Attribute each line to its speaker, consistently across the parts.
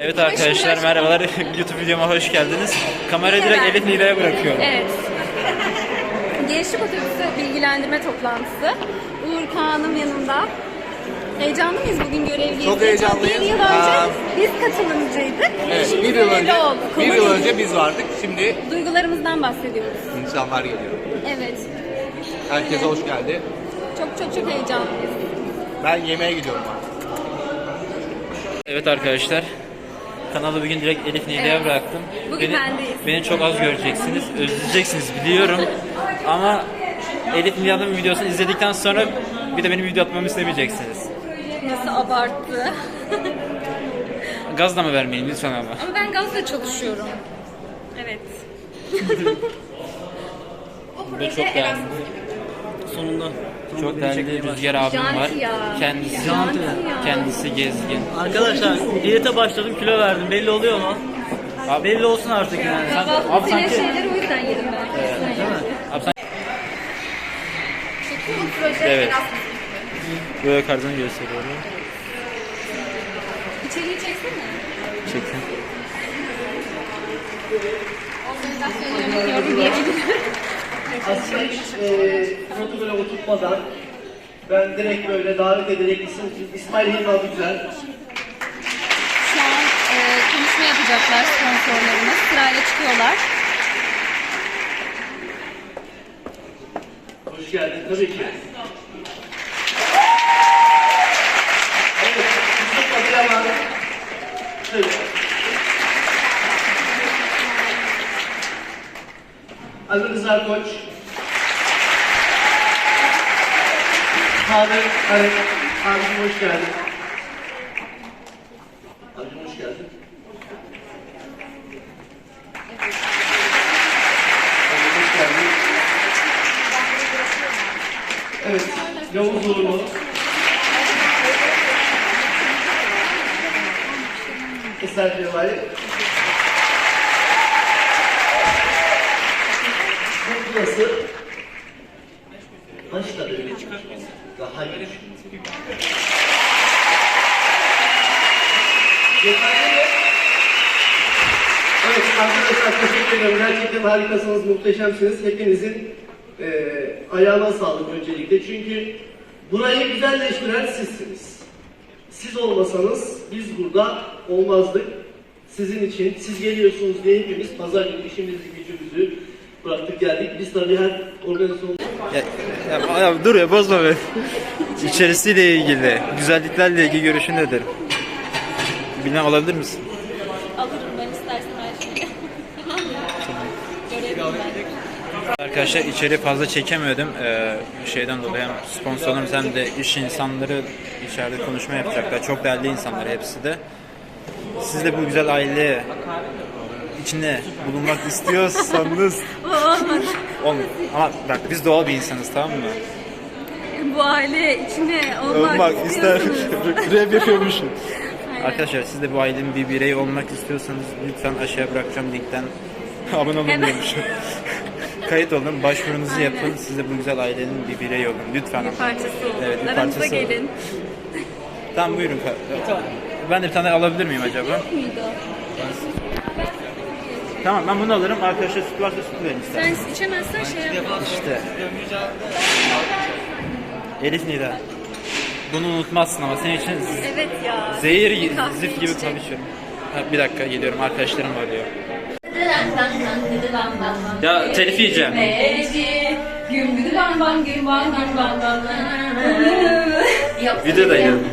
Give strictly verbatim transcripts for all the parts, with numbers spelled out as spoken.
Speaker 1: Evet arkadaşlar merhabalar. YouTube videoma hoş geldiniz. Kamerayı direkt Elif Nida'ya bırakıyorum.
Speaker 2: Evet. Gençlik Otobüsü bilgilendirme toplantısı. Uğur Kağan'ım yanımda. Heyecanlı mıyız bugün görevliyiz?
Speaker 3: Çok heyecanlıyız.
Speaker 2: Bir yıl önce
Speaker 3: Aa,
Speaker 2: biz katılımcıydık.
Speaker 3: Evet,
Speaker 2: Şimdi
Speaker 3: bir yıl önce,
Speaker 2: olduk.
Speaker 3: bir yıl
Speaker 2: Konu
Speaker 3: önce biz vardık. Şimdi
Speaker 2: duygularımızdan bahsediyoruz.
Speaker 3: insanlar geliyor.
Speaker 2: Evet.
Speaker 3: Herkese hoş geldi.
Speaker 2: Çok çok çok heyecanlıyız.
Speaker 3: Ben yemeğe gidiyorum artık.
Speaker 1: Evet arkadaşlar. Kanalı bugün direkt Elif Nida'ya
Speaker 2: Evet.
Speaker 1: bıraktım.
Speaker 2: Bugün
Speaker 1: beni,
Speaker 2: bendeyiz.
Speaker 1: beni çok az göreceksiniz. Özleyeceksiniz biliyorum. Ama Elif Nida'nın videosunu izledikten sonra bir de benim video atmamı istemeyeceksiniz.
Speaker 2: Nasıl abarttı.
Speaker 1: Gaz da mı vermeyin lütfen ama.
Speaker 2: Ama ben gazla çalışıyorum. Evet.
Speaker 1: Bu da çok değerli.
Speaker 4: Sonunda.
Speaker 1: Çok değerli Rüzgar abim var.
Speaker 2: Janti ya.
Speaker 1: Kendisi
Speaker 2: Janti ya.
Speaker 1: kendisi gezgin.
Speaker 4: Arkadaşlar diyete başladım, kilo verdim. Belli oluyor mu?
Speaker 1: Abi,
Speaker 4: Belli olsun artık yani.
Speaker 2: Kahvaltı
Speaker 1: Abi
Speaker 2: senin
Speaker 1: sanki-
Speaker 2: şeyleri o yüzden yedim ben.
Speaker 4: Değil mi?
Speaker 1: abi sen
Speaker 2: Çekiyor mu proje?
Speaker 1: Evet.
Speaker 2: Biraz
Speaker 1: böyle kartını gösteriyorum.
Speaker 2: İçeriği çeksene.
Speaker 1: Çekin.
Speaker 2: Organizasyonu yönetiyorum diyebilirim.
Speaker 5: Aslında hiç e, protokole oturtmadan ben direkt böyle davet ederek isim, İsmail Hilmi Güzel.
Speaker 2: Şu an e, konuşma yapacaklar sponsorlarımız. Sırayla çıkıyorlar.
Speaker 5: Hoş geldin tabii ki. Evet, Yusuf Adıyaman. Tabii. Ali Rıza Koç. Abi, Ali, abicim hoş geldin. Abicim hoş geldin. Abicim hoş geldin. Evet, Yavuz Uğurlu. Eser Cevahir. Burası başta öyle çıkar. Daha iyi. Yeterli mi? Evet arkadaşlar teşekkür ederim. Gerçekten harikasınız, muhteşemsiniz. Hepinizin e, ayağına sağlık öncelikle. Çünkü burayı güzelleştiren sizsiniz. Siz olmasanız biz burada olmazdık. Sizin için, siz geliyorsunuz diye hepimiz pazar günü işimizi, gücümüzü bıraktık geldik. Biz tabii her organizasyon...
Speaker 1: Ya, ya, ya dur ya bozma be. İçerisiyle ilgili, güzelliklerle ilgili görüşün nedir? Bilmem alabilir misin?
Speaker 2: Alırım ben istersen her şeyi. Görevim ben.
Speaker 1: Arkadaşlar içeri fazla çekemiyordum. Ee, şeyden dolayı hem sponsorlarımız hem de iş insanları içeride konuşma yapacaklar. Çok değerli insanlar hepsi de. Siz de bu güzel aile içinde bulunmak istiyorsanız
Speaker 2: Olmadı.
Speaker 1: olmuyor. Ama bak biz doğal bir insanız, tamam mı?
Speaker 2: Bu aile içine olmak,
Speaker 1: Olmak ister.
Speaker 2: istiyorsunuz.
Speaker 1: Rap yapıyormuşum.
Speaker 2: Aynen.
Speaker 1: Arkadaşlar siz de bu ailenin bir bireyi olmak istiyorsanız lütfen aşağıya bırakacağım linkten abone olun
Speaker 2: Hemen.
Speaker 1: diyormuşum. Kayıt olun, başvurunuzu yapın. Siz de bu güzel ailenin bir bireyi olun. Lütfen.
Speaker 2: Bir parçası olun.
Speaker 1: Evet, bir
Speaker 2: Aramıza
Speaker 1: parçası olun.
Speaker 2: gelin.
Speaker 1: Tamam buyurun. Ben de bir tane alabilir miyim acaba?
Speaker 2: Muydu?
Speaker 1: Tamam ben bunu alırım. Arkadaşlar süt varsa süt verin ister.
Speaker 2: Sen içemezsen şey yap.
Speaker 1: İşte. Elif Nida. Bunu unutmazsın ama senin için z-
Speaker 2: Evet ya.
Speaker 1: zehir
Speaker 2: Kahve
Speaker 1: zift gibi
Speaker 2: içecek.
Speaker 1: konuşuyorum. Ha, bir dakika geliyorum, arkadaşlarım arıyor. Ya telif yiyeceğim. Videodayım.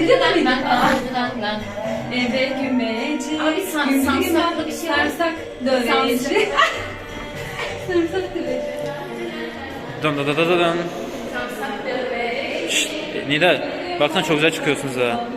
Speaker 2: Eve gümeci.
Speaker 6: Abi san, sansaklı bir şey var.
Speaker 2: Sarsak döveci. Sarsak döveci.
Speaker 1: Dön dön dön dön dön.
Speaker 6: Sansak dövbe.
Speaker 1: Şşt, Nida baksana çok güzel çıkıyorsunuz ha.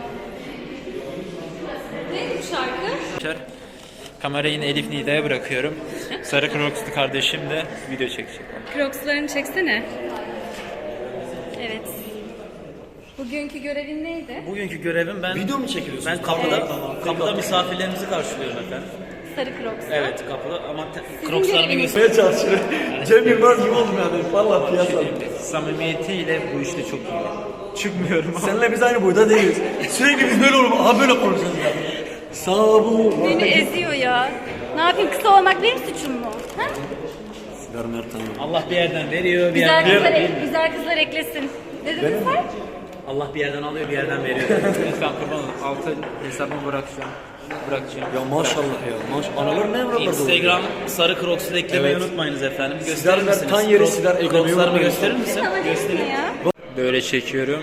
Speaker 2: Neydi bu şarkı?
Speaker 1: Kamerayı yine Elif Nida'ya bırakıyorum. Sarı Crocs'lu kardeşim de video çekecek.
Speaker 2: Crocs'larını çeksene. Evet. Bugünkü görevin neydi?
Speaker 4: Bugünkü görevim ben...
Speaker 5: Video mu çekiyorsunuz?
Speaker 4: Ben kapıda, kapıda misafirlerimizi karşılıyorum efendim.
Speaker 2: Sarı Crocs.
Speaker 4: Evet kapıda ama te-
Speaker 2: Sizin
Speaker 4: Crocs'larımı
Speaker 2: göreviniz-
Speaker 4: göstermeye çalışıyorum.
Speaker 5: Cem Yılmaz gibi oldum yani. Vallahi piyasa.
Speaker 1: Samimiyetiyle bu işte çok iyi. Çıkmıyorum ama.
Speaker 5: Seninle biz aynı boyda değiliz. Sürekli biz böyle olalım. Aha böyle konuşacağız yani.
Speaker 4: Sabu.
Speaker 2: Beni eziyor ya. Ne yapayım, kısa olmak benim suçum mu? Ha?
Speaker 4: Allah bir yerden veriyor, bir
Speaker 2: Güzel
Speaker 4: yerden
Speaker 2: kızlar,
Speaker 4: veriyor.
Speaker 2: güzel kızlar eklesin. Ne dedin sen?
Speaker 4: Allah bir yerden alıyor, bir yerden veriyor.
Speaker 1: Lütfen kurban olun. Altı hesabımı bırakacağım. Bırakacağım.
Speaker 4: Ya maşallah ya. Maş analar ne evlatlar
Speaker 7: Instagram sarı Crocs'u da eklemeyi
Speaker 4: Evet.
Speaker 7: unutmayınız efendim. Gösterir
Speaker 4: Sizler
Speaker 7: misiniz?
Speaker 4: tan yeri
Speaker 7: Crocs-
Speaker 4: sizler eklemeyi
Speaker 7: Crocs'larımı
Speaker 4: unutmayın.
Speaker 7: gösterir misin?
Speaker 2: Sana
Speaker 7: Göstereyim.
Speaker 2: ya.
Speaker 1: Böyle çekiyorum.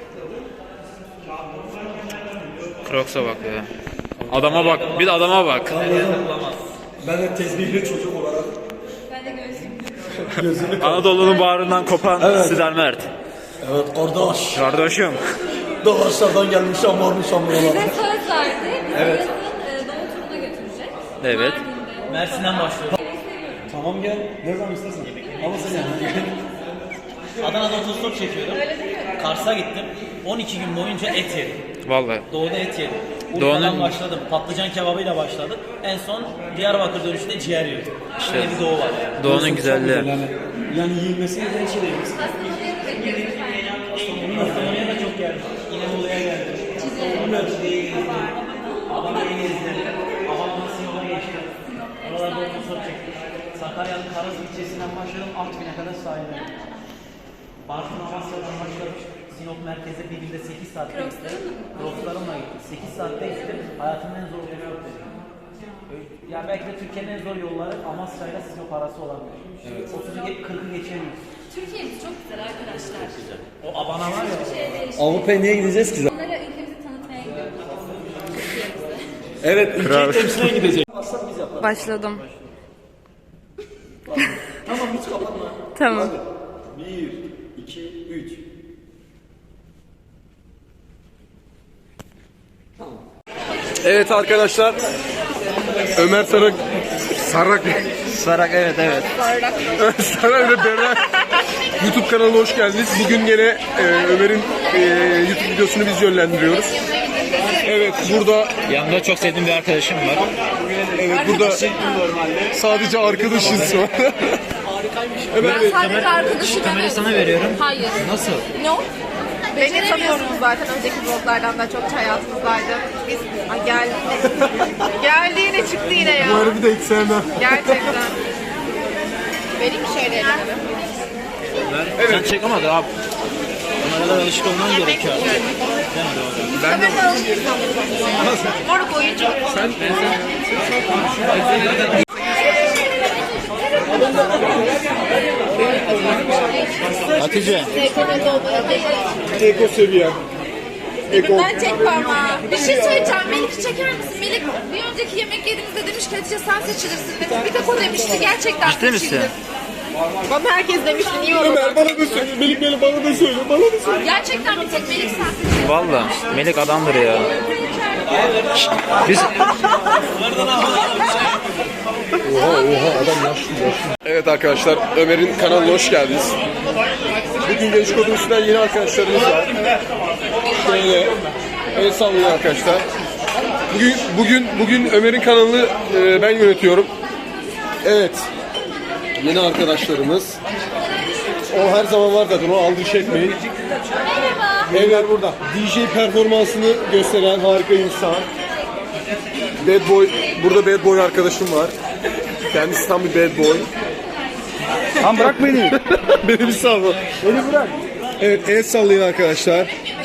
Speaker 1: Crocs'a bak ya. Adama bak. Bir de adama bak.
Speaker 4: Ben de tezbihli çocuk olarak.
Speaker 2: Ben de göğsüm.
Speaker 1: Anadolu'nun bağrından kopan Sidar Mert.
Speaker 4: Evet kardeş.
Speaker 1: Kardeşim.
Speaker 4: Doğaçlardan gelmiş amormuş amorlar.
Speaker 2: Bize söz verdi. Bizi
Speaker 4: Evet.
Speaker 2: yazın e, doğum turuna götürecek.
Speaker 1: Evet.
Speaker 2: Mardin'de.
Speaker 7: Mersin'den başlıyor.
Speaker 4: Tamam gel. Ne zaman istersen. Ama sen yani.
Speaker 7: Adana'da otostop çekiyorum. Kars'a gittim. on iki gün boyunca et yedim.
Speaker 1: Vallahi.
Speaker 7: Doğuda et yedim.
Speaker 1: Doğu'nun-
Speaker 7: Urfa'dan başladım. Patlıcan kebabıyla başladık. En son Diyarbakır dönüşünde ciğer yedim.
Speaker 1: İşte.
Speaker 7: Böyle bir doğu var yani.
Speaker 1: Doğu'nun güzelliği.
Speaker 4: Yani, yani yiyilmesi gereken şey değil.
Speaker 7: Kastamonu'ya da çok geldim. İnebolu'ya geldim. Cizre'ye gezdim. Adana'ya gezdim. Adana'dan Sinop'a geçtim. Oralarda otostop çektim. Sakarya'nın Karaz ilçesinden başladım. Artvin'e kadar sahilde. Bartın Amasya'dan başladım. Sinop merkeze bir günde sekiz saatte gittim. Crocs'larımla gittim. sekiz saatte gittim. Hayatımın en zor yolu yok dedim. Ya belki de Türkiye'nin en zor yolları Amasya ile Sinop arası olabilir. Evet. otuzu kırkı geçemiyoruz.
Speaker 2: Türkiye'miz çok güzel arkadaşlar.
Speaker 7: O Abana var ya.
Speaker 4: Avrupa'ya niye gideceğiz ki?
Speaker 2: Onlara ülkemizi tanıtmaya gidiyoruz. Türkiye'mizi.
Speaker 4: Evet, ülkeyi temsilen gidecek.
Speaker 2: Başladım.
Speaker 4: Tamam hiç kapatma.
Speaker 2: Tamam.
Speaker 4: Bir, iki, üç.
Speaker 3: Evet arkadaşlar. Ömer Sarak Sarak
Speaker 1: Sarak evet evet.
Speaker 3: Sarak ve Berrak YouTube kanalına hoş geldiniz. Bugün gene e, Ömer'in e, YouTube videosunu biz yönlendiriyoruz. Evet burada
Speaker 1: Yanımda çok sevdiğim bir arkadaşım var.
Speaker 3: evet burada sadece arkadaşız şu an. Ömer Bey,
Speaker 8: Sadece arkadaşı
Speaker 1: Kamerayı sana veriyorum.
Speaker 8: Hayır.
Speaker 1: Nasıl?
Speaker 8: No. Beni tanıyorsunuz zaten önceki vloglardan da çok hayatımızdaydı. Biz Ay geldi yine. geldi yine çıktı yine ya.
Speaker 3: bu harbi de hiç sevmem.
Speaker 8: Gerçekten. Benim bir şeyle elimi.
Speaker 1: Evet. Sen çek ama da abi. Kameralara alışık olman gerekiyor.
Speaker 3: Ben de
Speaker 8: Moruk oyuncu.
Speaker 3: sen
Speaker 1: Hatice.
Speaker 3: eko seviyen. Eko.
Speaker 8: Ben çek parmağı. Bir şey söyleyeceğim. Melik'i çeker misin? Melik bir önceki yemek yediğimizde demiş ki Hatice sen seçilirsin demiş. Bir tek o demişti. Gerçekten
Speaker 1: Ciddi misin?
Speaker 8: seçildi. Bana herkes demişti. Niye öyle?
Speaker 3: Ömer bana da söyle. Melik Melik bana da söyle. Bana da söyle.
Speaker 8: Gerçekten bir tek Melik sen seçildin.
Speaker 1: Valla. Melik adamdır ya. Şşt, Biz
Speaker 3: Evet arkadaşlar, Ömer'in kanalına hoş geldiniz. Bugün Genç Kod'un üstünden yeni arkadaşlarımız var. Şöyle, el sallayın arkadaşlar. Bugün bugün bugün Ömer'in kanalını e, ben yönetiyorum. Evet, yeni arkadaşlarımız. O her zaman var zaten, o aldırış etmeyin. Evet burada. D J performansını gösteren harika insan. Bad Boy, burada Bad Boy arkadaşım var. Kendisi tam bir bad boy.
Speaker 1: Tam bırak beni.
Speaker 3: Beni bir sal. Beni bırak. Evet, el sallayın arkadaşlar.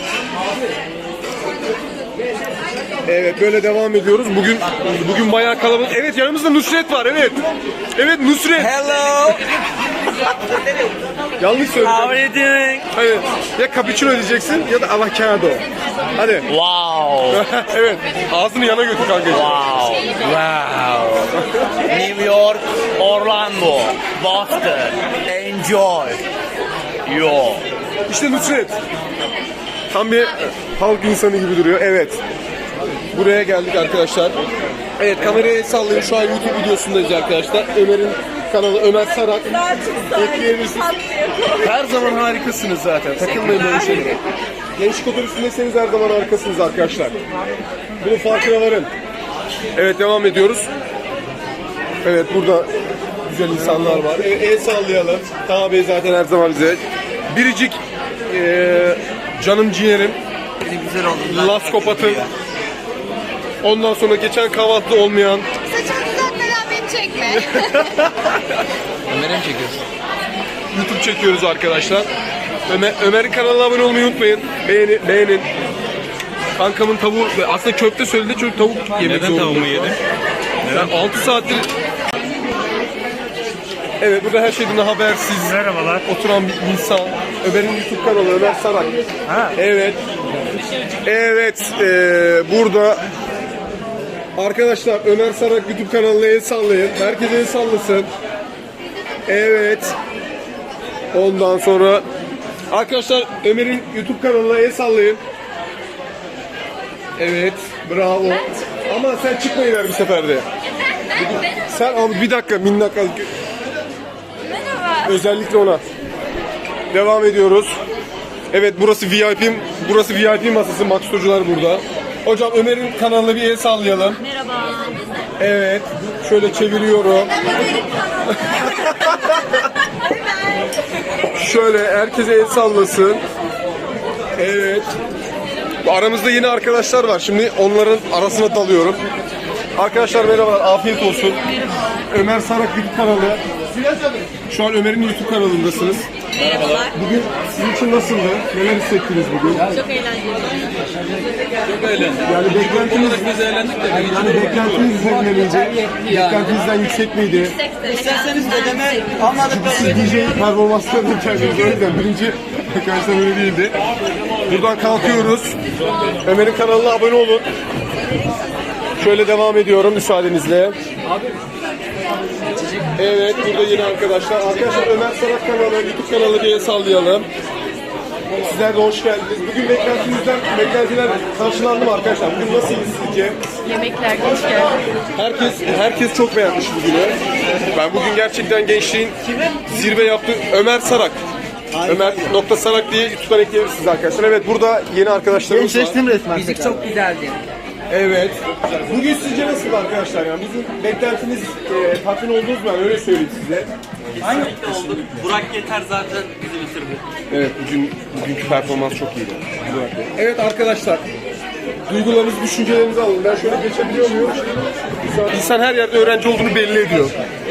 Speaker 3: Evet, böyle devam ediyoruz. Bugün bugün bayağı kalabalık. Evet, yanımızda Nusret var. Evet. Evet, Nusret.
Speaker 7: Hello.
Speaker 3: Yanlış
Speaker 7: How are
Speaker 3: söyledim.
Speaker 7: you doing?
Speaker 3: Hayır. Ya cappuccino diyeceksin ya da avocado. Hadi.
Speaker 7: Wow.
Speaker 3: Evet. Ağzını yana götür kanka.
Speaker 7: Wow. Wow. New York, Orlando, Boston. Enjoy. Yo.
Speaker 3: İşte Nusret. Tam bir halk insanı gibi duruyor. Evet. Buraya geldik arkadaşlar. Evet, kamerayı sallayın. Şu an YouTube videosundayız arkadaşlar. Ömer'in kanalı Ömer Sarak. Ekleyebilirsiniz. Her zaman harikasınız zaten. Takılmayın böyle şeylere. Gençlik otobüsündeyseniz her zaman harikasınız arkadaşlar. Bunun farkına varın. Evet, devam ediyoruz. Evet, burada güzel insanlar var. Evet, el sallayalım. Taha Bey zaten her zaman bize. Biricik eee canım ciğerim.
Speaker 1: güzel oldu.
Speaker 3: Laskopat'ın Ondan sonra geçen kahvaltıda olmayan
Speaker 8: Saçımı düzeltmeden beni çekme.
Speaker 1: Ömer'e mi çekiyorsun?
Speaker 3: YouTube çekiyoruz arkadaşlar. Ömer, Ömer'in kanalına abone olmayı unutmayın. Beğeni, beğenin. Kankamın tavuğu, aslında köfte söyledi çünkü tavuk yemek
Speaker 1: Neden
Speaker 3: zorunda.
Speaker 1: tavuğumu yedin?
Speaker 3: Ben altı saattir... Evet, burada her şeyden habersiz.
Speaker 9: Merhabalar.
Speaker 3: Oturan bir insan. Ömer'in YouTube kanalı Ömer Sarak.
Speaker 9: Ha.
Speaker 3: Evet. Evet, eee, burada arkadaşlar Ömer Sarak YouTube kanalına el sallayın. Herkes el sallasın. Evet. Ondan sonra arkadaşlar Ömer'in YouTube kanalına el sallayın. Evet, bravo. Ama sen çıkmayı ver bir seferde. Sen abi bir dakika minnak al. Özellikle ona. Devam ediyoruz. Evet, burası V I P, burası V I P masası. Max Hocalar burada. Hocam Ömer'in kanalına bir el sallayalım.
Speaker 2: Merhaba.
Speaker 3: Evet, şöyle çeviriyorum. Şöyle herkese el sallasın. Evet. Aramızda yeni arkadaşlar var. Şimdi onların arasına dalıyorum. Arkadaşlar merhabalar, afiyet olsun. Ömer Sarak YouTube kanalı. Şu an Ömer'in YouTube kanalındasınız.
Speaker 2: Merhabalar.
Speaker 3: Bugün sizin için nasıldı? Neler hissettiniz bugün?
Speaker 2: Çok eğlenceli.
Speaker 3: Çok eğlendik. Yani beklentiniz, biz eğlendik de. Yani beklentiniz üzerine miydi? Beklentinizden yüksek miydi?
Speaker 7: İsterseniz ödeme almadıkları
Speaker 3: Siz D J performanslarını kendiniz o yüzden birinci arkadaşlar öyle değildi. Buradan kalkıyoruz. Ömer'in kanalına abone olun. Şöyle devam ediyorum müsaadenizle. Evet, burada yeni arkadaşlar. Arkadaşlar Ömer Sarak kanalı, YouTube kanalı diye sallayalım. Sizler de hoş geldiniz. Bugün beklentinizden, beklentiler karşılandı mı arkadaşlar? Bugün nasıl sizce?
Speaker 8: Yemekler geç geldi.
Speaker 3: Herkes herkes çok beğenmiş bugünü. Ben bugün gerçekten gençliğin zirve yaptı. Ömer Sarak. Ömer nokta Sarak diye YouTube'dan ekleyebilirsiniz arkadaşlar. Evet, burada yeni arkadaşlarımız var.
Speaker 7: resmen. Müzik çok güzeldi.
Speaker 3: Evet. Bugün sizce nasıl arkadaşlar? Yani bizim beklentiniz e, tatmin oldunuz mu? Yani öyle söyleyeyim size.
Speaker 4: Kesinlikle oldu. Burak Yeter zaten bizi bitirdi.
Speaker 3: Evet, bugün bugünkü performans çok iyiydi. Evet arkadaşlar. Duygularınızı, düşüncelerinizi alın. Ben şöyle geçebiliyor muyum? İnsan her yerde öğrenci olduğunu belli ediyor.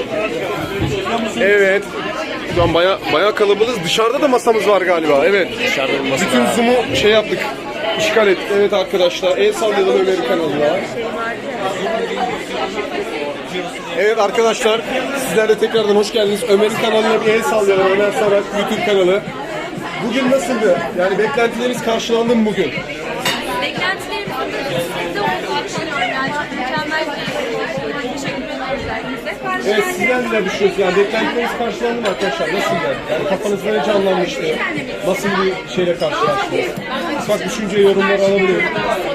Speaker 3: Evet. Şu an baya baya kalabalığız. Dışarıda da masamız var galiba. Evet. Dışarıda bütün Zoom'u şey yaptık. İşgal ettik. Evet arkadaşlar. El sallayalım Ömer'in kanalına. Evet arkadaşlar. Sizler de tekrardan hoş geldiniz. Ömer'in kanalına bir el sallayalım. Ömer Sarak YouTube kanalı. Bugün nasıldı? Yani beklentileriniz karşılandı mı bugün?
Speaker 2: Beklentilerimizin üstünde olduğunu düşünüyorum. Yani çok mükemmel bir eğitim. Teşekkür ederiz herkese.
Speaker 3: Evet, sizler neler düşünüyorsunuz? Yani beklentileriniz karşılandı mı arkadaşlar? Nasıldı? Yani kafanızda ne canlanmıştı? Nasıl bir şeyle karşılaştınız? Bak düşünce yorumları alabiliyorum.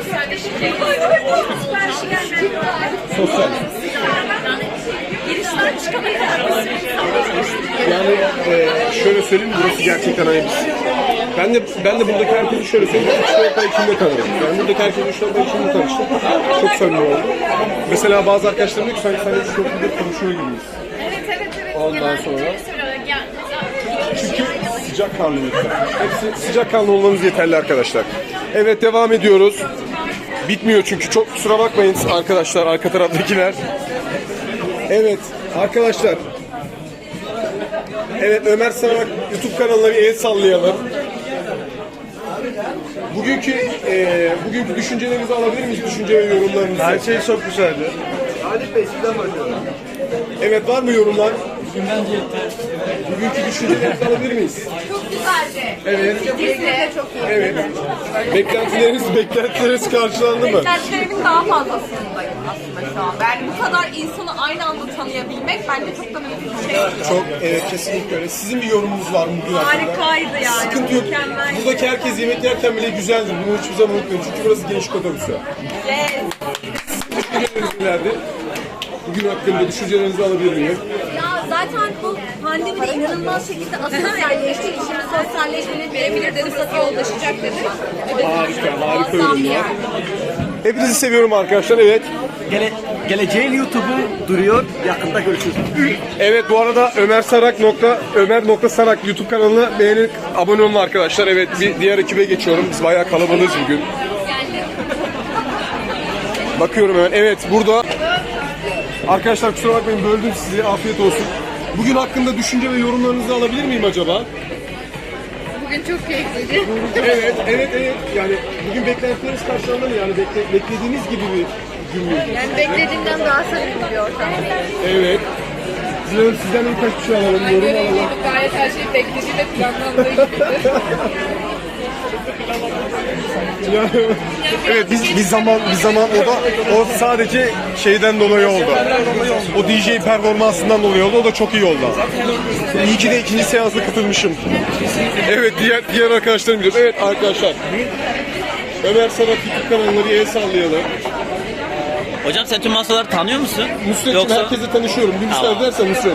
Speaker 3: Sosyal.
Speaker 2: Girişten çıkamayız.
Speaker 3: Yani e, şöyle söyleyeyim, burası gerçekten hani biz. Ben de ben de buradaki herkesi şöyle söyleyeyim, üç dört ay içinde tanırım. Ben buradaki herkesi üç dört ay içinde tanıştım. Çok samimi oldum. Mesela bazı arkadaşlarım diyor ki sanki sen üç dört yıldır konuşuyor gibiyiz.
Speaker 2: Evet evet evet.
Speaker 3: Ondan sonra. Çünkü sıcak kanlı lütfen. Hepsi sıcak kanlı olmanız yeterli arkadaşlar. Evet, devam ediyoruz. Bitmiyor çünkü, çok kusura bakmayın arkadaşlar, arka taraftakiler. Evet arkadaşlar. Evet, Ömer Sarak YouTube kanalına bir el sallayalım. Bugünkü e, bugünkü düşüncelerinizi alabilir miyiz? Düşünce ve yorumlarınızı. Her şey çok güzeldi. Halit Bey, sizden başlayalım. Evet, var mı yorumlar? Bugünkü düşüncelerinizi alabilir miyiz?
Speaker 8: Çok güzeldi.
Speaker 3: Evet.
Speaker 8: Biz de çok iyi.
Speaker 3: Evet. Beklentileriniz, beklentileriniz karşılandı mı?
Speaker 8: Beklentilerimin daha fazlasındayım aslında şu an. Yani bu kadar insanı aynı anda tanıyabilmek bence çok da büyük bir şey.
Speaker 3: Çok, evet, kesinlikle öyle. Sizin bir yorumunuz var mı bugün hakkında?
Speaker 8: Harikaydı yani.
Speaker 3: Sıkıntı yok.
Speaker 8: Mükemmel.
Speaker 3: Buradaki herkes yemek yerken bile güzeldir. Bunu hiçbir zaman unutmayın. Çünkü burası gençlik otobüsü.
Speaker 8: Yes.
Speaker 3: Nerede? Bugün hakkında düşüncelerinizi alabilir miyim?
Speaker 2: Ya zaten bu pandemide inanılmaz şekilde asosyalleştik. Şimdi sosyalleşmenin birebir de fırsatı yollaşacak dedik.
Speaker 3: Harika, harika yorumlar. Hepinizi seviyorum arkadaşlar, evet.
Speaker 7: Gele, geleceğin YouTube'u duruyor. Yakında görüşürüz.
Speaker 3: Evet, bu arada Ömer Sarak nokta Ömer nokta Sarak YouTube kanalına beğenip abone olun arkadaşlar. Evet, bir diğer ekibe geçiyorum. Biz bayağı kalabalığız bugün. Bakıyorum hemen. Evet, burada. Arkadaşlar kusura bakmayın, böldüm sizi. Afiyet olsun. Bugün hakkında düşünce ve yorumlarınızı alabilir miyim acaba?
Speaker 8: Bugün çok keyifliydi.
Speaker 3: Evet, evet, evet. Yani bugün beklentileriniz karşılandı mı? Yani bekle, beklediğiniz gibi bir gün müydü?
Speaker 8: Yani beklediğimden daha samimi bir ortam.
Speaker 3: Evet. Sizden, sizden de birkaç bir şey alalım, yorum alalım.
Speaker 8: Gayet her şey beklediği ve planlandığı gibiydi.
Speaker 3: Yani, evet biz bir zaman bir zaman o da o sadece şeyden dolayı oldu. O D J performansından dolayı oldu. O da çok iyi oldu. İyi ki de ikinci seansa katılmışım. Evet diğer diğer arkadaşlarım biliyorum. Evet arkadaşlar. Ömer Sarak YouTube kanalına bir el sallayalım.
Speaker 4: Hocam sen tüm masaları tanıyor musun?
Speaker 3: Nusret'cim
Speaker 4: Yoksa...
Speaker 3: herkese tanışıyorum. Bir müsaade edersen Nusret.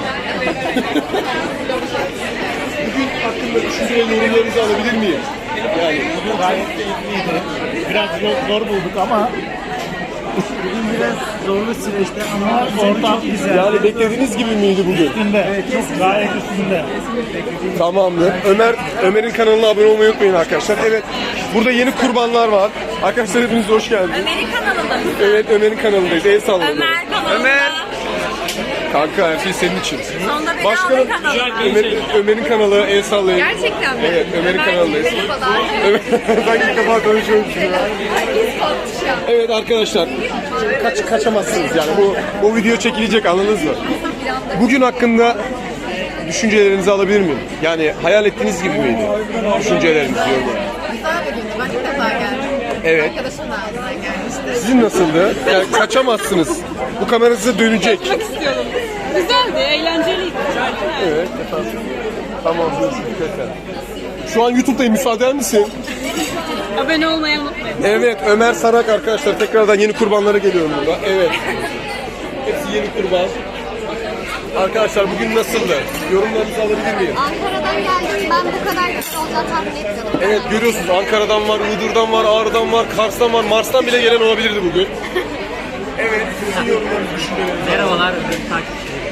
Speaker 3: Bugün hakkında düşünce ve yorumlarınızı alabilir miyim? Yani
Speaker 7: Bugün gayet keyifliydi. Biraz zor, zor bulduk ama bugün biraz zorlu süreçte ama ortam güzel.
Speaker 3: yani beklediğiniz gibi miydi bugün?
Speaker 7: Üstünde. Evet, çok gayet üstünde.
Speaker 3: Tamamdır. Ömer Ömer'in kanalına abone olmayı unutmayın arkadaşlar. Evet. Burada yeni kurbanlar var. Arkadaşlar hepiniz hoş geldiniz.
Speaker 2: Ömer'in kanalında mısın?
Speaker 3: Evet Ömer'in kanalındayız. El sallayalım.
Speaker 2: Ömer kanalında.
Speaker 3: Ömer. Kanka her şey senin için.
Speaker 2: Sonunda beni
Speaker 3: Başkanım
Speaker 2: alın kanalına.
Speaker 3: Ömer, Ömer'in kanalı el sallayın.
Speaker 8: Gerçekten mi?
Speaker 3: Evet Ömer'in kanalındayız.
Speaker 8: Merhabalar.
Speaker 3: Evet. Ben ilk defa konuşuyorum şimdi.
Speaker 8: Herkes kalkmış ya.
Speaker 3: Evet arkadaşlar. Kaç, kaçamazsınız yani. Bu, bu video çekilecek anladınız mı? Bugün hakkında düşüncelerinizi alabilir miyim? Yani hayal ettiğiniz gibi miydi? Düşünceleriniz diyorum.
Speaker 8: Güzel bir gündü. Ben ilk defa geldim.
Speaker 3: Evet.
Speaker 8: Arkadaşım da ağzından gelmişti.
Speaker 3: Sizin nasıldı? Yani kaçamazsınız. Bu kamera size dönecek.
Speaker 2: istiyorum. Güzeldi, eğlenceliydi.
Speaker 3: Evet efendim. Tamam görüşürüz tekrar. Şu an YouTube'dayım, müsaade eder misin?
Speaker 2: Abone olmayı unutmayın.
Speaker 3: Evet Ömer Sarak arkadaşlar tekrardan yeni kurbanlara geliyorum burada. Evet. Hepsi yeni kurban. Arkadaşlar bugün nasıldı? Yorumlarınızı alabilir miyim?
Speaker 2: Ankara'dan geldim. Ben bu kadar güzel olacağını tahmin etmiyordum.
Speaker 3: Evet görüyorsunuz Ankara'dan var, Iğdır'dan var, Ağrı'dan var, Kars'tan var, Mars'tan bile gelen olabilirdi bugün. Evet, sizin yorumlarınızı düşünüyorsunuz.
Speaker 7: Merhabalar ürün takipçileri.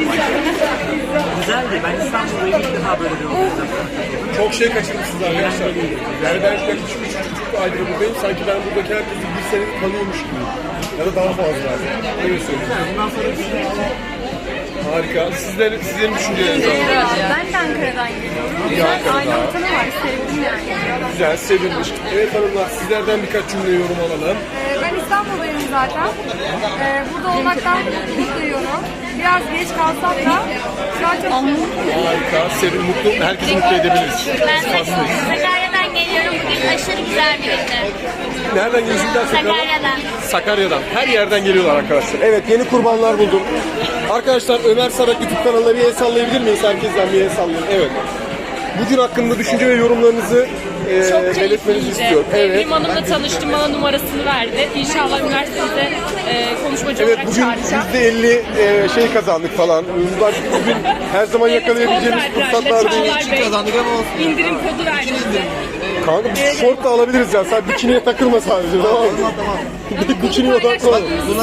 Speaker 7: Güzeldi. Ben İstanbul'da ilk defa böyle bir organizasyon.
Speaker 3: Çok şey kaçırmışsınız arkadaşlar. Yani ben yaklaşık üç buçuk aydır buradayım. Sanki ben buradaki herkesi bir sene tanıyormuş gibi. Ya da daha fazla. Öyle söyleyeyim.
Speaker 7: Bundan sonra bir şey
Speaker 3: Harika. Sizler, sizlerin düşüncelerinizi alalım.
Speaker 2: Ben de Ankara'dan geliyorum.
Speaker 3: İyi Ankara'da.
Speaker 2: Aynı ortamı var. Sevdim yani.
Speaker 3: Güzel, sevilmiş. Evet hanımlar sizlerden birkaç cümle yorum alalım.
Speaker 2: Ee, Ben İstanbul'dayım zaten. Ee, burada olmaktan mutluluk duyuyorum. Biraz geç kalsam da şu an çok mutluyum.
Speaker 3: Harika, sevin, mutlu, herkesi mutlu edebiliriz.
Speaker 6: Ben Sakarya'dan geliyorum. Bugün aşırı güzel bir gündü.
Speaker 3: Nereden geliyorsunuz?
Speaker 6: Sakarya'dan.
Speaker 3: Sakarya'dan. Her yerden geliyorlar arkadaşlar. Evet yeni kurbanlar buldum. Arkadaşlar Ömer Sarak YouTube kanalına bir el sallayabilir miyiz? Herkesten bir el sallayalım. Evet. Bugün hakkında düşünce ve yorumlarınızı e, belirtmenizi istiyorum. Evet.
Speaker 9: Evrim Hanım'la tanıştım, bana numarasını verdi. İnşallah üniversitede e, konuşmacı
Speaker 3: Evet
Speaker 9: olarak
Speaker 3: bugün
Speaker 9: çağıracağım.
Speaker 3: yüzde elli e, şey kazandık falan. Bugün her zaman yakalayabileceğimiz fırsatlar değil.
Speaker 9: kazandık ama olsun. İndirim kodu verdi bize.
Speaker 3: Kanka bir şort da alabiliriz ya. Sen bikiniye takılma sadece. Tamam mı? Tamam. Bikiniye odaklan.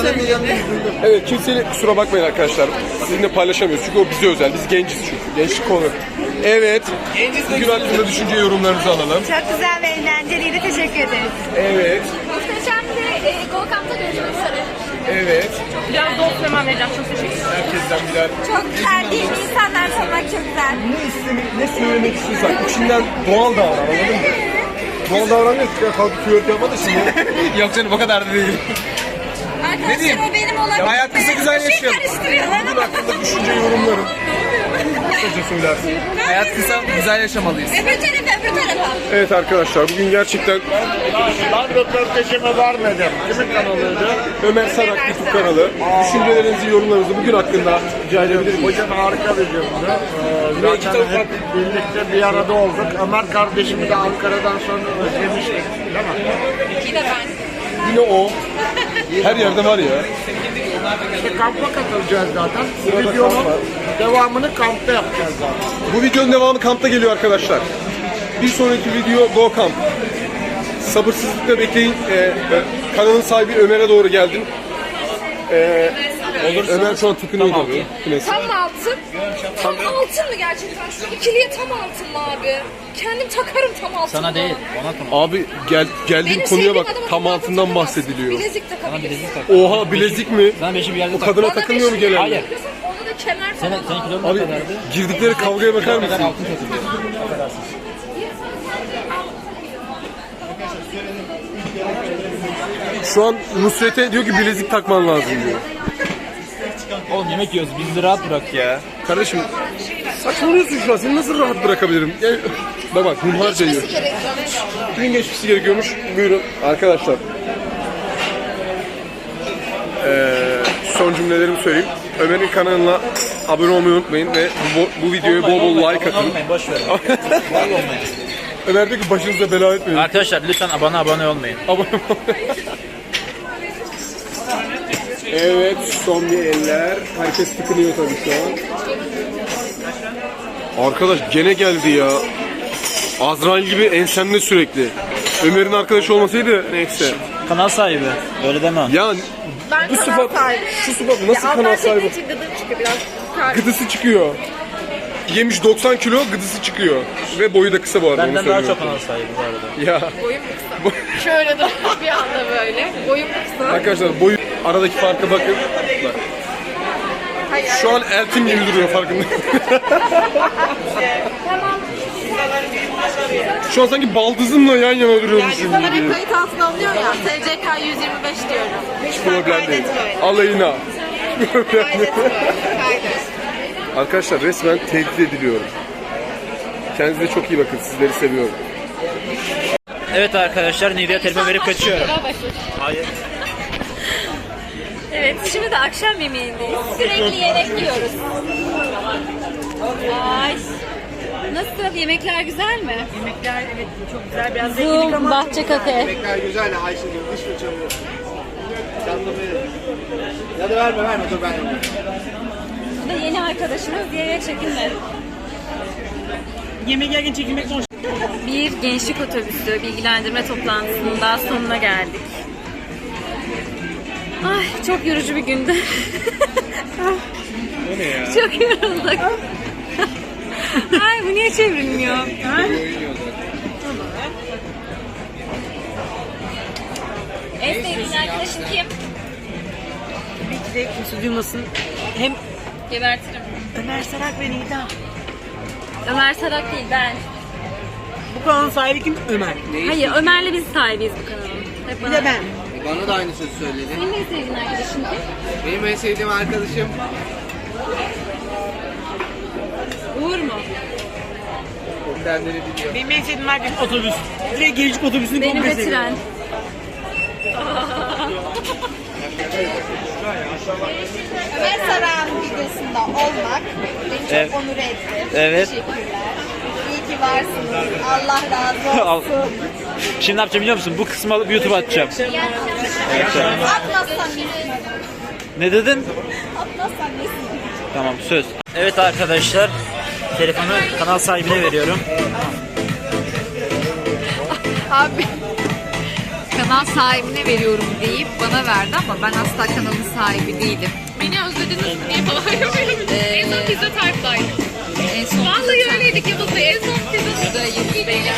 Speaker 3: Evet kimseyle kusura bakmayın arkadaşlar. Sizinle paylaşamıyoruz. Çünkü o bize özel. Biz genciz çünkü. Gençlik konu. Evet. Bugün hakkında düşünce yorumlarınızı alalım.
Speaker 2: Çok güzel ve eğlenceliydi. Teşekkür ederiz.
Speaker 3: Evet.
Speaker 6: Muhteşemdi. E, Go Camp'ta görüşmek üzere.
Speaker 3: Evet.
Speaker 9: Biraz dost hemen vereceğim. Çok teşekkür ederim.
Speaker 3: Herkesten birer.
Speaker 2: Çok terbiye insanlar tanımak çok güzel.
Speaker 3: Ne istemek, ne söylemek istiyorsan içinden doğal davran anladın mı? Doğal davranmıyorsun. Ya kalkıp flört yapma da şimdi.
Speaker 1: Yok canım o kadar da değil.
Speaker 2: Arkadaşlar o benim olan.
Speaker 1: hayat kısa güzel yaşayalım.
Speaker 3: Bugün hakkında düşünce yorumlarım. Kısaca söylersin.
Speaker 1: Hayat kısa güzel yaşamalıyız.
Speaker 2: Öbür tarafa, öbür tarafa.
Speaker 3: Evet arkadaşlar bugün gerçekten
Speaker 7: Ben röportajımı vermedim. Kimin kanalıydı?
Speaker 3: Ömer Sarak YouTube kanalı. Düşüncelerinizi, yorumlarınızı bugün hakkında rica edebilir miyim?
Speaker 7: Hocam harika bir gündü. Ee, zaten hep birlikte bir arada olduk. Ömer kardeşimi de Ankara'dan sonra özlemiştik. Değil mi?
Speaker 2: Yine ben.
Speaker 3: Yine o. Her yerde var ya.
Speaker 7: İşte kampa katılacağız zaten. Bu
Speaker 3: Sırada
Speaker 7: videonun
Speaker 3: kamp var.
Speaker 7: devamını kampta yapacağız zaten.
Speaker 3: Bu videonun devamı kampta geliyor arkadaşlar. Bir sonraki video Go Camp. Sabırsızlıkla bekleyin. Ee, e, kanalın sahibi Ömer'e doğru geldim. Ee,
Speaker 1: Olursa-
Speaker 3: Ömer şu an tıkınıyor
Speaker 1: Tamam.
Speaker 3: tabii. Klasik.
Speaker 2: Tam altın. Tam altın mı gerçekten? Şu ikiliye tam altın mı abi? Kendim takarım tam altın.
Speaker 1: Sana değil, ona konu.
Speaker 3: Abi gel geldiğin
Speaker 2: Benim
Speaker 3: konuya
Speaker 2: sevdiğim
Speaker 3: bak.
Speaker 2: adama
Speaker 3: Tam
Speaker 2: tam
Speaker 3: altından
Speaker 2: altın
Speaker 3: bahsediliyor.
Speaker 2: Bilezik
Speaker 1: Sana
Speaker 2: takabiliriz.
Speaker 1: bilezik tak.
Speaker 3: Oha bilezik mi?
Speaker 1: Sana beşi bir yerde
Speaker 3: O
Speaker 1: tak.
Speaker 3: kadına
Speaker 2: Bana
Speaker 3: takılmıyor mu
Speaker 2: beşi-
Speaker 3: genelde?
Speaker 1: Hayır.
Speaker 2: Onda da kemer
Speaker 1: Senin,
Speaker 2: falan
Speaker 1: senin
Speaker 2: var.
Speaker 1: kilon
Speaker 3: Abi
Speaker 1: ne kadardı?
Speaker 3: girdikleri kavgaya bakar
Speaker 1: Ne kadar
Speaker 3: mısın?
Speaker 1: altın takılıyor. Affedersin.
Speaker 3: Şu an Nusret'e diyor ki bilezik takman lazım diyor.
Speaker 1: Oğlum yemek yiyoruz, bizi rahat bırak ya.
Speaker 3: Kardeşim saçmalıyorsun şu an. Seni nasıl rahat bırakabilirim? Gel. Bak bak hunharca yiyor. Gün geçmesi gerekiyormuş. Buyurun arkadaşlar. Ee, son cümlelerimi söyleyeyim. Ömer'in kanalına abone olmayı unutmayın ve bu, bu videoya bol bol like atın.
Speaker 1: Olmayın, boş verin. Vallahi olmayın.
Speaker 3: Ömer diyor ki başınıza bela etmeyin.
Speaker 1: Arkadaşlar lütfen bana abone olmayın.
Speaker 3: Abone olmayın. Evet, son bir eller. Herkes tıkınıyor tabii şu an. Arkadaş gene geldi ya. Azrail gibi ensemde sürekli. Ömer'in arkadaşı olmasaydı neyse.
Speaker 1: Kanal sahibi. Öyle deme.
Speaker 3: Ya
Speaker 8: Ben
Speaker 3: bu
Speaker 8: kanal
Speaker 3: sıfat,
Speaker 8: sahibi.
Speaker 3: şu sıfat nasıl
Speaker 8: Ya
Speaker 3: kanal
Speaker 8: alttan
Speaker 3: sahibi?
Speaker 8: çektiği için gıdım çıkıyor biraz. Kar-
Speaker 3: Gıdısı çıkıyor. Yemiş doksan kilo, gıdısı çıkıyor. Ve boyu da kısa bu arada.
Speaker 1: Benden
Speaker 3: onu
Speaker 1: daha
Speaker 3: söyleyeyim.
Speaker 1: çok kanal sahibi bu arada.
Speaker 3: Ya
Speaker 8: Boyum kısa. Şöyle dur bir anda böyle. Boyum kısa.
Speaker 3: arkadaşlar boyu aradaki farka bakın. Bak.
Speaker 8: Hayır.
Speaker 3: Şu an Eltim gibi duruyor farkında. Şu an sanki baldızımla yan yana duruyormuşum gibi.
Speaker 8: Kamera kayıt altına alınıyor ya. S C K yüz yirmi beş diyorum.
Speaker 3: Hiç problem değil.
Speaker 8: Kaydet böyle.
Speaker 3: Alayına.
Speaker 8: Kaydet böyle. Kaydet.
Speaker 3: Arkadaşlar resmen tehdit ediliyorum. Kendinize çok iyi bakın. Sizleri seviyorum.
Speaker 1: Evet arkadaşlar, Nivea telefon verip kaçıyorum. Hayır.
Speaker 9: Evet, şimdi de akşam yemeğindeyiz. Sürekli yemek yiyoruz. Ay. Nasıl? Yemekler güzel mi?
Speaker 7: Yemekler evet çok güzel. Biraz
Speaker 9: Zoom, bahçe kafe.
Speaker 5: Yemekler güzel Ayşegül. Dış fırçamı. Canlı verin. Ya da verme verme dur ben yapayım.
Speaker 9: Bu da yeni arkadaşımız. Diye çekinme.
Speaker 7: yemek yerken çekilmek zor.
Speaker 9: Bir gençlik otobüsü bilgilendirme toplantısının daha sonuna geldik. Ay çok yorucu bir gündü. Çok yorulduk. Ay bu niye çevrilmiyor? Ha? En sevdiğin arkadaşın kim?
Speaker 7: Tabii ki de kimse duymasın. Hem
Speaker 9: Gebertirim.
Speaker 7: Ömer Sarak ve Nida.
Speaker 9: Ömer Sarak değil ben.
Speaker 7: Bu kanalın sahibi kim? Ömer.
Speaker 9: Hayır Ömer'le biz sahibiyiz bu kanalın. Hep
Speaker 7: Bir
Speaker 9: bana-
Speaker 7: de ben.
Speaker 5: Bana da aynı sözü söyledi.
Speaker 9: Senin en sevdiğin arkadaşın kim?
Speaker 5: Benim en sevdiğim arkadaşım
Speaker 9: Uğur mu?
Speaker 5: kendini biliyor.
Speaker 7: Benim en sevdiğim arkadaşım otobüs. Direkt gençlik otobüsünü
Speaker 9: Benim
Speaker 7: komple
Speaker 9: de
Speaker 7: seviyorum.
Speaker 9: tren.
Speaker 8: Ömer Sarak'ın videosunda olmak beni çok
Speaker 1: Evet.
Speaker 8: onur etti.
Speaker 1: Evet.
Speaker 8: Teşekkürler. İyi ki varsınız. Allah razı
Speaker 1: Al.
Speaker 8: olsun.
Speaker 1: Şimdi ne yapacağım biliyor musun? Bu kısmı alıp YouTube'a atacağım.
Speaker 8: Atmazsan nesin?
Speaker 1: Ne dedin?
Speaker 8: Atmazsan nesin?
Speaker 1: Tamam, söz. Evet arkadaşlar, telefonu kanal sahibine veriyorum.
Speaker 2: Abi kanal sahibine veriyorum deyip bana verdi ama ben asla kanalın sahibi değilim.
Speaker 9: Beni özlediniz mi diye falan yapıyorum. En son pizza tarifdaydık.
Speaker 2: En son
Speaker 9: Vallahi öyleydik Yavuz'la. En son pizza
Speaker 2: burada Yıldız Beyler.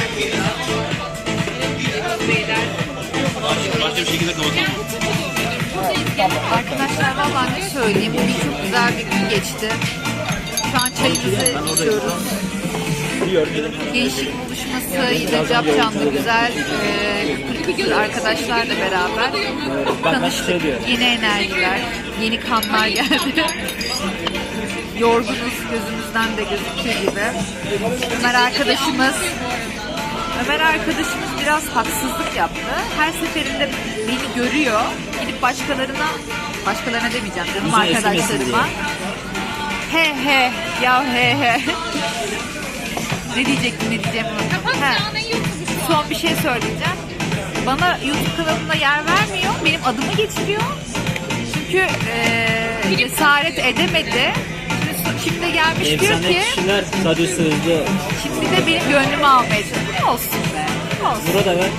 Speaker 9: Yavuz Beyler.
Speaker 1: Başka bir şekilde kapatalım.
Speaker 2: Arkadaşlar vallahi ne söyleyeyim, bugün çok güzel bir gün geçti. Şu an çayımızı içiyoruz. Gençlik buluşması yine capcanlı güzel e, kültür arkadaşlarla beraber tanıştık. Yeni enerjiler, yeni kanlar geldi. Yorgunuz, gözümüzden de gözüktüğü gibi. Ömer arkadaşımız Ömer arkadaşımız biraz haksızlık yaptı. Her seferinde beni görüyor. Gidip başkalarına, başkalarına demeyeceğim canım arkadaşlarıma. He he, ya he he. Ne diyecektim, ne diyeceğim unuttum. He. Son bir şey söyleyeceğim. Bana YouTube kanalında yer vermiyor. Benim adımı geçiriyor. Çünkü eee cesaret edemedi. Şimdi, şimdi gelmiş diyor ki,
Speaker 1: kişiler sadece sözde.
Speaker 2: şimdi de benim gönlümü almaya çalışıyor. Olsun be. Olsun.
Speaker 1: Burada ver.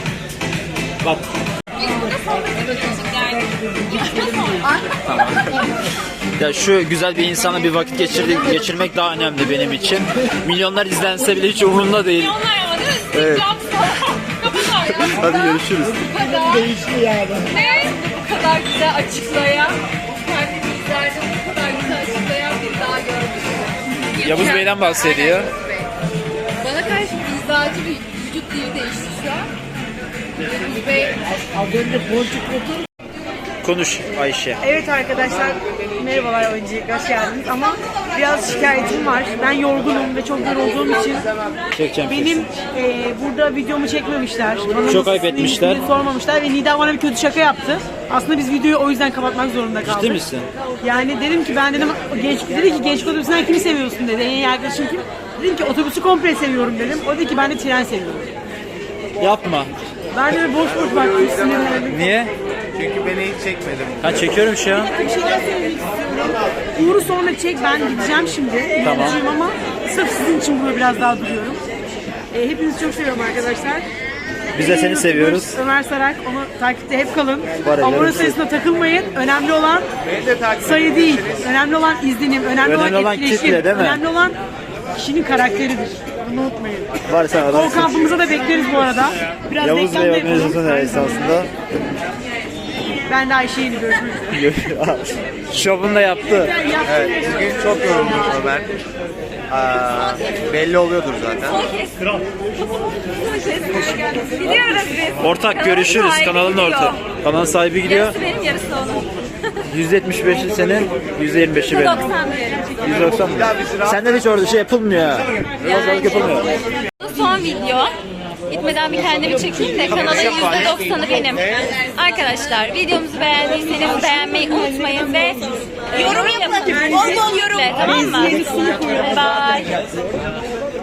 Speaker 1: Bak.
Speaker 9: Biz burada sohbet ediyoruz yani.
Speaker 1: Tamam. Ya şu güzel bir insana bir vakit geçirdi, geçirmek daha önemli benim için. Milyonlar izlense bile hiç umurumda değil.
Speaker 9: Onlar ama değil mi?
Speaker 1: Evet.
Speaker 9: Kapılar ya.
Speaker 1: Hadi görüşürüz.
Speaker 9: Değişti yani. Ne? Bu kadar güzel açıklayan, kendini izlerde bu kadar güzel açıklayan bir daha gördüm.
Speaker 1: Yavuz Bey'den bahsediyor.
Speaker 9: Bana karşı mizacı bir vücut dili değişti şu an. Yavuz Bey
Speaker 1: Konuş Ayşe.
Speaker 10: Evet arkadaşlar, merhabalar, öncelikle hoş geldiniz ama biraz şikayetim var. Ben yorgunum ve çok yorulduğum için
Speaker 1: Çekeceğim.
Speaker 10: benim e, burada videomu çekmemişler. Bana
Speaker 1: Çok ayıp
Speaker 10: nasıl
Speaker 1: etmişler.
Speaker 10: ismini sormamışlar ve Nida bana bir kötü şaka yaptı. Aslında biz videoyu o yüzden kapatmak zorunda kaldık.
Speaker 1: Ciddi misin?
Speaker 10: Yani dedim ki ben dedim genç dedi ki genç otobüsünden kimi seviyorsun dedi. En iyi arkadaşın kim? Dedim ki otobüsü komple seviyorum dedim. O dedi ki ben de tren seviyorum.
Speaker 1: Yapma.
Speaker 10: Ben de boş boş baktım sinirlendim.
Speaker 1: Niye?
Speaker 11: Çünkü beni hiç çekmedin.
Speaker 1: Ha çekiyorum şu an.
Speaker 10: Bir şeyler söylemek istiyorum. Uğur'u sonra çek, ben gideceğim şimdi.
Speaker 1: Tamam.
Speaker 10: Gideceğim ama sırf sizin için burada biraz daha duruyorum. E, hepinizi çok seviyorum arkadaşlar.
Speaker 1: Biz de seni
Speaker 10: Ee,
Speaker 1: seviyoruz.
Speaker 10: Ömer Sarak, onu takipte hep kalın.
Speaker 1: Var ya,
Speaker 10: Abone
Speaker 1: yarısı.
Speaker 10: sayısına takılmayın. Önemli olan
Speaker 11: Beni de takip
Speaker 10: sayı değil. Önemli olan izlenim. Önemli,
Speaker 1: Önemli olan
Speaker 10: etkileşim.
Speaker 1: kitle, değil mi?
Speaker 10: Önemli olan kişinin karakteridir. Bunu unutmayın.
Speaker 1: Var sen
Speaker 10: O
Speaker 1: adamsın.
Speaker 10: kampımıza da bekleriz bu arada. Biraz
Speaker 1: Yavuz
Speaker 10: reklam
Speaker 1: Bey
Speaker 10: da yapalım.
Speaker 1: organizasyonu esasında.
Speaker 10: Ben de Ayşe'yle görüşmek üzere.
Speaker 1: Şovunu da yaptı.
Speaker 11: Evet, bugün çok yorulduk Ömer. Aa, belli oluyordur zaten.
Speaker 2: Gidiyoruz biz.
Speaker 1: Ortak görüşürüz.
Speaker 2: sahibi
Speaker 1: Kanalın
Speaker 2: gidiyor.
Speaker 1: ortak. Kanalın sahibi gidiyor.
Speaker 2: Yarısı benim, yarısı onun.
Speaker 1: yüzde yetmiş beşi senin, yüzde yirmi beşi benim.
Speaker 2: doksan diyelim.
Speaker 1: yüz doksan mı? Senden hiç orada şey yapılmıyor ya. Pazarlık yapılmıyor.
Speaker 6: Son video. Gitmeden bir kendimi çekeyim de kanalın yüzde doksanı benim. Arkadaşlar videomuzu beğendiyseniz beğenmeyi unutmayın ve yorum yapın. Bol bol yorum. Tamam mı? Bye.